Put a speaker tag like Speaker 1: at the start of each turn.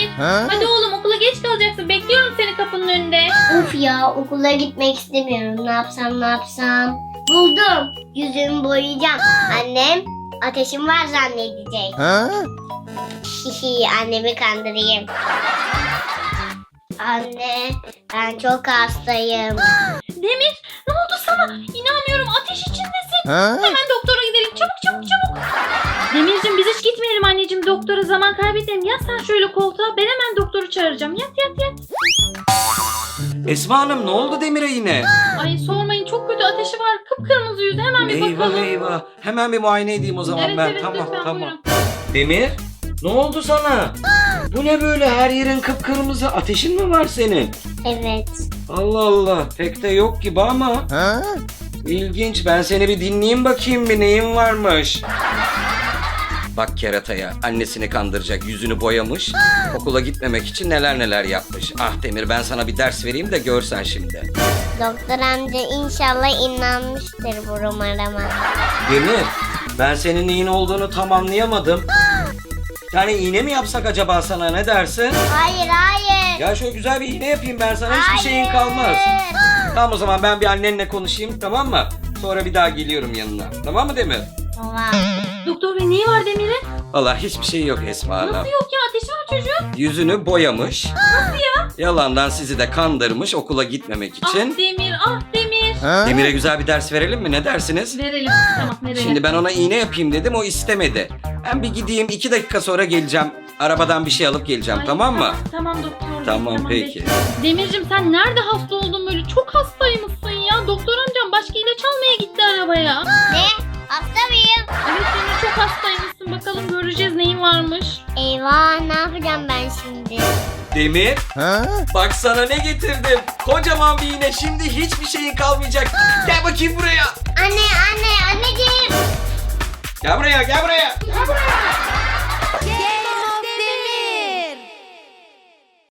Speaker 1: Hadi oğlum, okula geç kalacaksın. Bekliyorum seni kapının önünde.
Speaker 2: Of ya, okula gitmek istemiyorum. Ne yapsam? Buldum. Yüzümü boyayacağım. Annem ateşim var zannedecek. Hihi, annemi kandırayım. Anne, ben çok hastayım.
Speaker 1: Demir, ne oldu sana? İnanmıyorum, ateş içindesin. Hemen doktora gidelim. Çabuk. Demircim, biz hiç gitmeyelim anneciğim doktora, zaman kaybedelim. Yat sen şöyle koltuğa, ben hemen doktoru çağıracağım. Yat.
Speaker 3: Esma Hanım, ne oldu Demir'e yine?
Speaker 1: Ay sormayın, çok kötü ateşi var. Kıpkırmızı yüzü, hemen bir bakalım.
Speaker 3: Eyvah. Hemen bir muayene edeyim o zaman ben.
Speaker 1: Evet, lütfen, buyurun.
Speaker 3: Demir, ne oldu sana? Bu ne böyle, her yerin kıpkırmızı? Ateşin mi var senin?
Speaker 2: Evet.
Speaker 3: Allah Allah, pek de yok gibi ama. İlginç, ben seni bir dinleyeyim bakayım, bir neyin varmış. Bak kerataya, annesini kandıracak, yüzünü boyamış. Okula gitmemek için neler yapmış. Ah Demir, ben sana bir ders vereyim de görsen şimdi.
Speaker 2: Doktor amca inşallah inanmıştır bu numarama.
Speaker 3: Demir, ben senin neyin olduğunu tam anlayamadım. Yani iğne mi yapsak acaba sana, ne dersin?
Speaker 2: Hayır.
Speaker 3: Ya şöyle güzel bir iğne yapayım ben sana, hiçbir şeyin kalmaz. Tamam, o zaman ben bir annenle konuşayım, tamam mı? Sonra bir daha geliyorum yanına. Tamam mı Demir?
Speaker 2: Tamam.
Speaker 1: Doktor bey, neyi var Demir'in?
Speaker 3: Vallahi hiçbir şey yok Esma Hanım.
Speaker 1: Nasıl yok ya, ateşi var çocuğun.
Speaker 3: Yüzünü boyamış. Nasıl ya? Yalandan sizi de kandırmış okula gitmemek için.
Speaker 1: Ah Demir.
Speaker 3: Demir'e güzel bir ders verelim mi? Ne dersiniz?
Speaker 1: Verelim, tamam verelim.
Speaker 3: Şimdi ben ona iğne yapayım dedim, o istemedi. Ben bir gideyim, 2 dakika sonra geleceğim. Arabadan bir şey alıp geleceğim,
Speaker 1: Ay,
Speaker 3: tamam mı?
Speaker 1: Tamam doktor bey,
Speaker 3: Tamam, peki.
Speaker 1: bekliyorum. Demircim, sen nerede hasta oldun böyle? Çok hastaymışsın ya. Doktor amcam başka ilaç almaya gitti arabaya.
Speaker 2: Ne? Hasta mıyım?
Speaker 1: Evet Demir, çok hastaymışsın. Bakalım göreceğiz neyin varmış.
Speaker 2: Eyvah, ne yapacağım ben şimdi?
Speaker 3: Demir, bak sana ne getirdim. Kocaman bir iğne, şimdi hiçbir şeyin kalmayacak. Gel bakayım buraya.
Speaker 2: Anneciğim.
Speaker 3: Gel buraya.